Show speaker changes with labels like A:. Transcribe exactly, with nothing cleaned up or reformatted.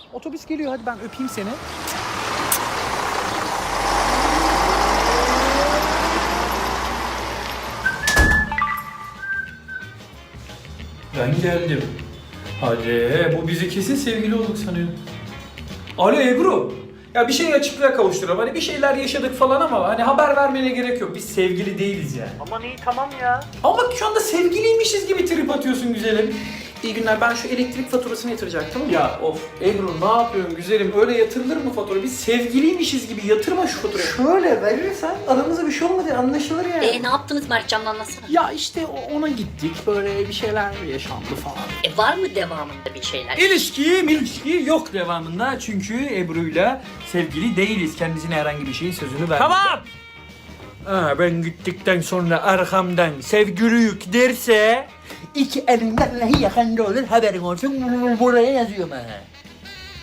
A: Otobüs geliyor, hadi ben öpeyim seni.
B: Ben geldim. Hadi bu bizi kesin sevgili olduk sanıyor. Alo Ebru. Ya bir şey açıklığa kavuşturalım. Hani bir şeyler yaşadık falan ama hani haber vermene gerek yok. Biz sevgili değiliz yani.
A: Aman iyi, tamam ya.
B: Ama bak şu anda sevgiliymişiz gibi trip atıyorsun güzelim.
A: İyi günler, ben şu elektrik faturasını yatıracaktım.
B: Ya of Ebru ne yapıyorsun güzelim? Öyle yatırılır mı fatura? Biz sevgiliymişiz gibi yatırma şu faturayı.
A: Şöyle verirsen aramızda bir şey olmadı, anlaşılır yani.
C: E ne yaptınız Mertcan'la anlatsana.
A: Ya işte o- ona gittik, böyle bir şeyler yaşandı falan.
C: E var mı devamında bir şeyler?
B: İlişki, ilişki yok devamında çünkü Ebru'yla sevgili değiliz. Kendisine herhangi bir şeyin sözünü vermedi. Tamam! Ha, ben gittikten sonra arkamdan sevgiliyük derse
A: İki elinden neyi yakanda olur haberin olsun, buraya yazıyorum ha.